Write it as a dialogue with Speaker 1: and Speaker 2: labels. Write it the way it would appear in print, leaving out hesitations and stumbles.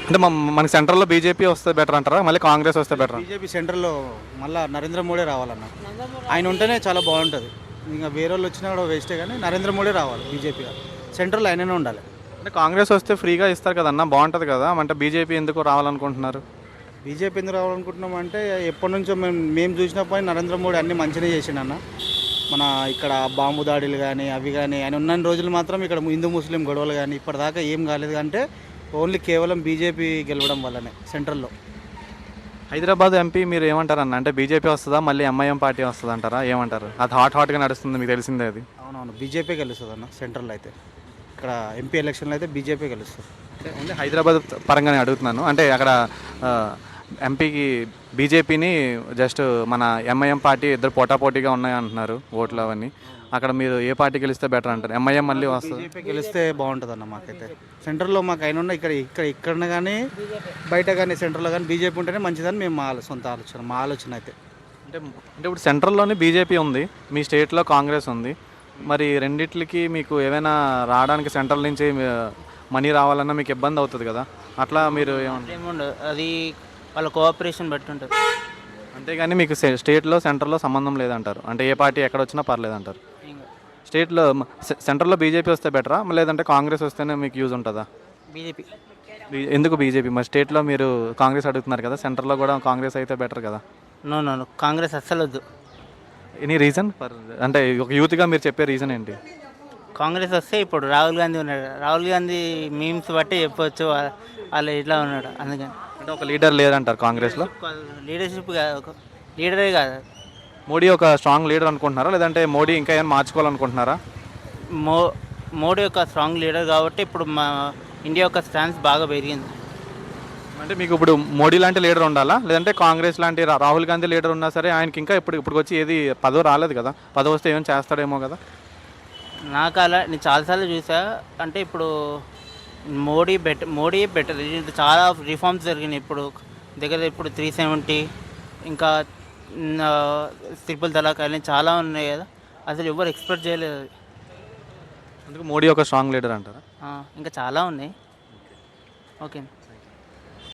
Speaker 1: అంటే మనకి సెంట్రల్లో బీజేపీ వస్తే బెటర్ అంటారా, మళ్ళీ కాంగ్రెస్ వస్తే బెటర్?
Speaker 2: బీజేపీ సెంటర్లో మళ్ళీ నరేంద్ర మోడీ రావాలన్న. ఆయన ఉంటేనే చాలా బాగుంటుంది. ఇంకా వేరే వాళ్ళు వచ్చినా కూడా వేస్టే, కానీ నరేంద్ర మోడీ రావాలి బీజేపీ. సెంట్రల్ ఆయననే ఉండాలి.
Speaker 1: అంటే కాంగ్రెస్ వస్తే ఫ్రీగా ఇస్తారు కదన్నా, బాగుంటుంది కదా. అంటే బీజేపీ ఎందుకు రావాలనుకుంటున్నారు?
Speaker 2: బీజేపీ ఎందుకు రావాలనుకుంటున్నాం అంటే, ఎప్పటి నుంచో మేము చూసినప్పుడు నరేంద్ర మోడీ అన్ని మంచిగా చేసిండన్న. మన ఇక్కడ బాంబు దాడులు కానీ అవి కానీ, ఆయన ఉన్న రోజులు మాత్రం ఇక్కడ హిందూ ముస్లిం గొడవలు కానీ ఇప్పటిదాకా ఏం కాలేదు. అంటే ఓన్లీ కేవలం బీజేపీ గెలవడం వల్లనే సెంట్రల్లో.
Speaker 1: హైదరాబాద్ ఎంపీ మీరు ఏమంటారన్న? అంటే బీజేపీ వస్తుందా, మళ్ళీ ఎంఐఎం పార్టీ వస్తుంది అంటారా, ఏమంటారు? అది హాట్గా నడుస్తుంది, మీకు తెలిసిందే అది.
Speaker 2: అవునవును, బీజేపీ గెలుస్తుంది అన్న సెంట్రల్లో అయితే. ఇక్కడ ఎంపీ ఎలక్షన్లో అయితే బీజేపీ గెలుస్తుంది.
Speaker 1: అంటే ఓన్లీ హైదరాబాద్ పరంగానే అడుగుతున్నాను. అంటే అక్కడ ఎంపీకి బీజేపీని జస్ట్ మన ఎంఐఎం పార్టీ ఇద్దరు పోటాపోటీగా ఉన్నాయి అంటున్నారు ఓట్లు అవన్నీ. అక్కడ మీరు ఏ పార్టీ గెలిస్తే బెటర్ అంటారు? ఎంఐఎం మళ్ళీ వస్తుంది?
Speaker 2: బీజేపీ గెలిస్తే బాగుంటుంది అన్న. మాకైతే సెంట్రల్లో మాకు అయిన ఉన్న ఇక్కడ కానీ బయట కానీ సెంట్రల్లో కానీ బీజేపీ ఉంటేనే మంచిదని మేము మా సొంత ఆలోచన, మా ఆలోచన అయితే.
Speaker 1: అంటే అంటే ఇప్పుడు సెంట్రల్లోనే బీజేపీ ఉంది, మీ స్టేట్లో కాంగ్రెస్ ఉంది. మరి రెండిట్లకి మీకు ఏమైనా రావడానికి సెంట్రల్ నుంచి మనీ రావాలన్నా మీకు ఇబ్బంది అవుతుంది కదా, అట్లా మీరు ఏమన్నా?
Speaker 3: ఏముండదు, అది వాళ్ళ కోఆపరేషన్ బట్టి ఉంటుంది.
Speaker 1: అంతేగాని మీకు స్టేట్లో సెంట్రల్లో సంబంధం లేదంటారు. అంటే ఏ పార్టీ ఎక్కడ వచ్చినా పర్లేదంటారు. స్టేట్లో సెంట్రల్లో బీజేపీ వస్తే బెటరా, లేదంటే కాంగ్రెస్ వస్తేనే మీకు యూజ్ ఉంటుందా?
Speaker 3: బీజేపీ.
Speaker 1: ఎందుకు బీజేపీ? మరి స్టేట్లో మీరు కాంగ్రెస్ అడుగుతున్నారు కదా, సెంట్రల్లో కూడా కాంగ్రెస్ అయితే బెటర్ కదా.
Speaker 3: నో నో నో, కాంగ్రెస్ అస్సలు వద్దు.
Speaker 1: ఎనీ రీజన్ అంటే ఒక యూత్గా మీరు చెప్పే రీజన్ ఏంటి?
Speaker 3: కాంగ్రెస్ వస్తే ఇప్పుడు రాహుల్ గాంధీ ఉన్నాడు, రాహుల్ గాంధీ మీమ్స్ బట్టి చెప్పవచ్చు వాళ్ళు ఇట్లా ఉన్నాడు, అందుకని.
Speaker 1: అంటే ఒక లీడర్ లేదంటారు కాంగ్రెస్లో?
Speaker 3: లీడర్షిప్ కాదు, ఒక లీడరే కాదు.
Speaker 1: మోడీ ఒక స్ట్రాంగ్ లీడర్ అనుకుంటున్నారా, లేదంటే మోడీ ఇంకా ఏమైనా మార్చుకోవాలనుకుంటున్నారా?
Speaker 3: మోడీ ఒక స్ట్రాంగ్ లీడర్ కాబట్టి ఇప్పుడు మా ఇండియా యొక్క స్టాన్స్ బాగా పెరిగింది.
Speaker 1: అంటే మీకు ఇప్పుడు మోడీ లాంటి లీడర్ ఉండాలా, లేదంటే కాంగ్రెస్ లాంటి రాహుల్ గాంధీ లీడర్ ఉన్నా సరే ఆయనకి ఇంకా ఇప్పుడు వచ్చి ఏది పదవి రాలేదు కదా, పదవి వస్తే ఏమైనా చేస్తాడేమో కదా?
Speaker 3: నాకు అలా నేను చాలాసార్లు చూసా. అంటే ఇప్పుడు మోడీ బెటర్. చాలా రిఫార్మ్స్ జరిగినాయి ఇప్పుడు దగ్గర. ఇప్పుడు 370 ఇంకా ట్రిపుల్ తలాక్ అని చాలా ఉన్నాయి కదా, అసలు ఎవరు ఎక్స్పెక్ట్ చేయలేదు అది.
Speaker 1: అందుకు మోడీ ఒక స్ట్రాంగ్ లీడర్ అంటారా?
Speaker 3: ఇంకా చాలా ఉన్నాయి. ఓకే.